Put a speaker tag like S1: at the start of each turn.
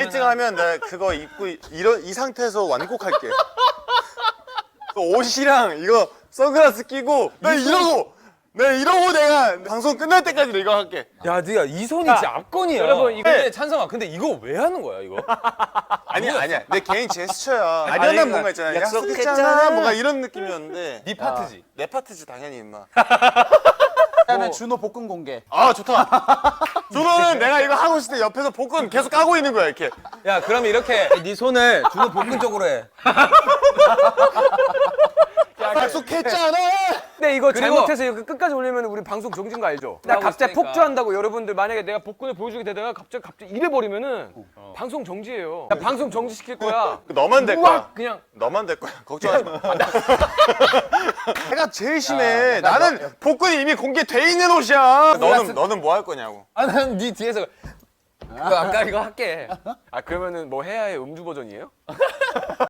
S1: 1등 하면 나 그거 입고 이 상태에서 완곡할게. 그 옷이랑 이거 선글라스 끼고 나 이러고 내가 방송 끝날 때까지 이거 할게.
S2: 야, 네가 이 손이 진짜 압권이야.
S3: 여러분, 이거-
S2: 근데 찬성아, 근데 이거 왜 하는 거야 이거?
S1: 아니야 내 개인 제스처야. 아련한 뭔가 있잖아. 약속했잖아 뭔가 이런 느낌이었는데
S2: 네 파트지.
S1: 내 파트지 당연히 임마.
S4: 그다음에 준호 복근 공개.
S1: 아 좋다. 준호는 내가 이거 하고 있을 때 옆에서 복근 계속 까고 있는 거야 이렇게.
S2: 야, 그러면 이렇게 네 손을 준호 복근 쪽으로 해.
S1: 약속했잖아.
S3: 근데 이거
S2: 그리고-
S3: 잘못해서 이거 끝까지 올리면 우리 방송 정지인 거 알죠? 나 갑자기
S2: 있으니까.
S3: 폭주한다고 여러분들 만약에 내가 복근을 보여주게 되다가 갑자기 이래 버리면은 방송 정지예요. 나 방송 정지시킬 거야.
S1: 너만 될 거야.
S3: 우악 그냥
S1: 너만 될 거야. 걱정하지 마. 내가 제일 심해. 나는 복근이 이미 공개돼 있는 옷이야. 너는 뭐 할 거냐고.
S2: 아, 난 네 뒤에서 그 아까 이거 할게.
S3: 아 그러면은 뭐 해야 해 음주 버전이에요?